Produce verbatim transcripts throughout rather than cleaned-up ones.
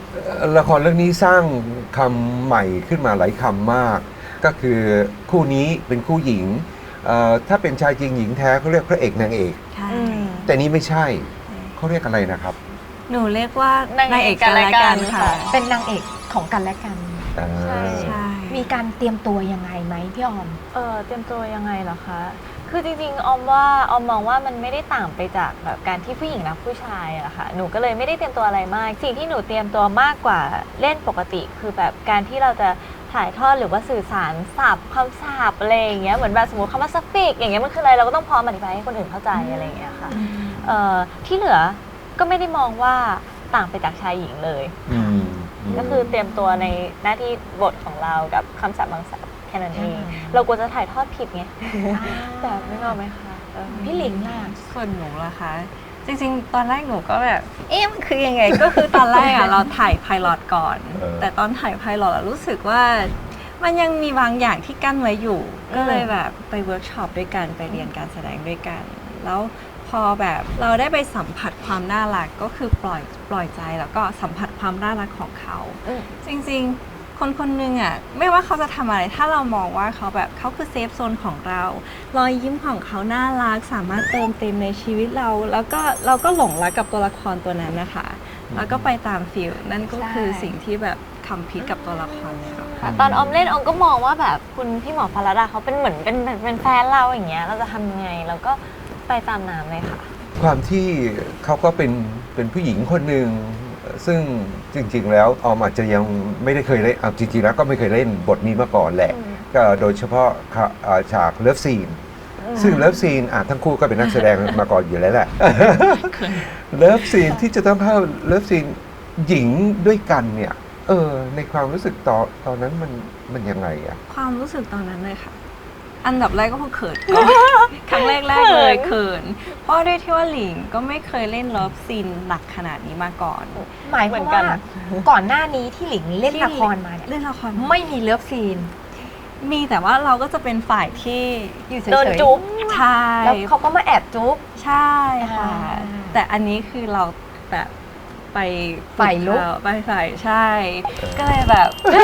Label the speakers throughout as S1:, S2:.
S1: ละครเรื่องนี้สร้างคำใหม่ขึ้นมาหลายคำมาก ก็คือคู่นี้เป็นคู่หญิงถ้าเป็นชายจริงหญิงแท้เขาเรียกพระเอกนางเอกแต่นี้ไม่ใช่เขาเรียกอะไรนะครับ
S2: หนูเรียกว่านางเอกกันและกันค่ะ
S3: เป็นนางเอกของกันและกัน
S2: ใช่ใช่
S3: มีการเตรียมตัวยังไงไหมพี่ออม
S4: เออเตรียมตัวยังไงเหรอคะคือจริงๆออมว่าออมมองว่ามันไม่ได้ต่างไปจากแบบการที่ผู้หญิงรักผู้ชายอะค่ะหนูก็เลยไม่ได้เตรียมตัวอะไรมากสิ่งที่หนูเตรียมตัวมากกว่าเล่นปกติคือแบบการที่เราจะถ่ายทอดหรือว่าสื่อสารศัพท์คำศัพท์อะไรอย่างเงี้ยเหมือนแบบสมมติคำว่าสปีกอย่างเงี้ยมันคืออะไรเราก็ต้องพร้อมอธิบายให้คนอื่นเข้าใจอะไรอย่างเงี้ยค่ะเอ่อที่เหลือก็ไม่ได้มองว่าต่างไปจากชายหญิงเลยก็คือเตรียมตัวในหน้าที่บทของเรากับคำศัพท์บางศัพท์แค่นั้นเองเรากลัวจะถ่ายทอดผิดไงแต่ไม่รู้ไหมคะ
S3: พี่หลิงล่ะ
S2: ส่วนหนูล่ะคะจริงๆตอนแรกหนูก็แบบเอ๊ะมันคือยังไงก็คือตอนแรกอะเราถ่ายไพลอตก่อนแต่ตอนถ่ายไพลอตรู้สึกว่ามันยังมีบางอย่างที่กั้นไว้อยู่ก็เลยแบบไปเวิร์กช็อปด้วยกันไปเรียนการแสดงด้วยกันแล้วพอแบบเราได้ไปสัมผัสความน่ารักก็คือปล่อยปล่อยใจแล้วก็สัมผัสความน่ารักของเขาจริงๆคนคนหนึ่งอ่ะไม่ว่าเขาจะทำอะไรถ้าเรามองว่าเขาแบบเขาคือเซฟโซนของเรารอยยิ้มของเขาน่ารักสามารถเติมเต็มในชีวิตเราแล้วก็เราก็หลงรักกับตัวละครตัวนั้นนะคะแล้วก็ไปตามฟิลนั่นก็คือสิ่งที่แบบคัมพิกกับตัวละครเลย
S4: ค่ะตอนออมเล่นออมก็มองว่าแบบคุณพี่หมอพลดาเขาเป็นเหมือนเป็นเป็นแฟนเราอย่างเงี้ยเราจะทำยังไงเราก็ไปตามน้ำเลยค่ะ
S1: ความที่เขาก็เป็นเป็นผู้หญิงคนหนึ่งซึ่งจริงๆแล้วออมอาจจะยังไม่ได้เคยเล่นเอาจริงๆแล้วก็ไม่เคยเล่นบทนี้มาก่อนแหละก็โดยเฉพาะฉากเลิฟซีนซึ่งเลิฟซีนทั้งคู่ก็เป็นนักแสดงมาก่อนอยู่แล้วแหละเลิฟซีนที่จะต้องเข้าเลิฟซีนหญิงด้วยกันเนี่ยเออในความรู้สึกตอนตอนนั้นมันมันยังไงอะ
S2: ความรู้สึกตอนนั้นเลยค่ะอันดับแรกก็คือเขินครั้งแรกแรกเลยเขินเพราะด้วยที่ว่าหลิงก็ไม่เคยเล่นเลิฟซีนหนักขนาดนี้มาก่อน
S3: หมายความว่าก่อนหน้านี้ที่หลิงเล่นละครมาเนี่ย
S2: เล่นละคร
S3: ไม่มีเลิฟซีน
S2: มีแต่ว่าเราก็จะเป็นฝ่ายที่
S3: อยู่เฉยๆ
S4: โดนจุ๊บ
S2: ใช่
S3: แล้วเขาก็มาแอบจุ๊บ
S2: ใช่ค่ะแต่อันนี้คือเราแบบไป
S3: ฝ่ายลุก
S2: ไปฝ่ายใช่ก็เลยแบบ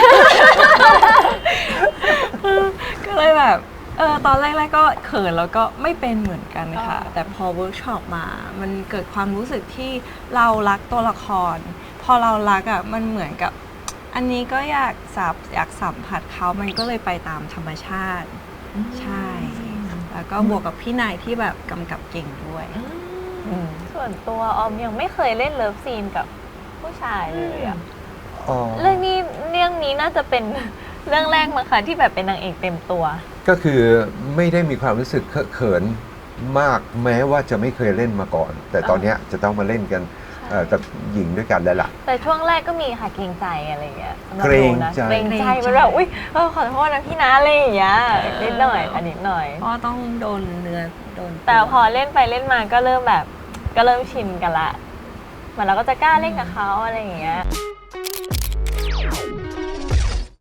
S2: ก็เลยแบบเออตอนแรกๆก็เขินแล้วก็ไม่เป็นเหมือนกันค่ะแต่พอเวิร์กช็อปมามันเกิดความรู้สึกที่เรารักตัวละครพอเรารักอ่ะมันเหมือนกับอันนี้ก็อยากสับอยากสัมผัสเขามันก็เลยไปตามธรรมชาติใช่แล้วก็บวกกับพี่นายที่แบบกำกับเก่งด้วย
S4: ส่วนตัวออมยังไม่เคยเล่นเลิฟซีนกับผู้ชายเลยอะเรื่องนี้เรื่องนี้น่าจะเป็นเรื่องแรกมั้งคะที่แบบเป็นนางเอกเต็มตัว
S1: ก็คือไม่ได้มีความรู้สึกเขินมากแม้ว่าจะไม่เคยเล่นมาก่อนแต่ตอนนี้จะต้องมาเล่นกันกับหญิงด้วยกันแล้วล่ะ
S4: แต่ช่วงแรกก็มีค่ะเกรงใจอะไรเงี้ย
S1: เกรงใจ
S4: เกรงใจมันแบบอุ้ยขอโทษนะพี่นะอะไรอย่างเงี้ยนิดหน่อยอันนิดหน่อย
S2: เพราะต้องโดนเนื้อโดน
S4: แต่พอเล่นไปเล่นมาก็เริ่มแบบก็เริ่มชินกันละเหมือนเราก็จะกล้าเล่นกับเขาอะไรอย่างเงี้ย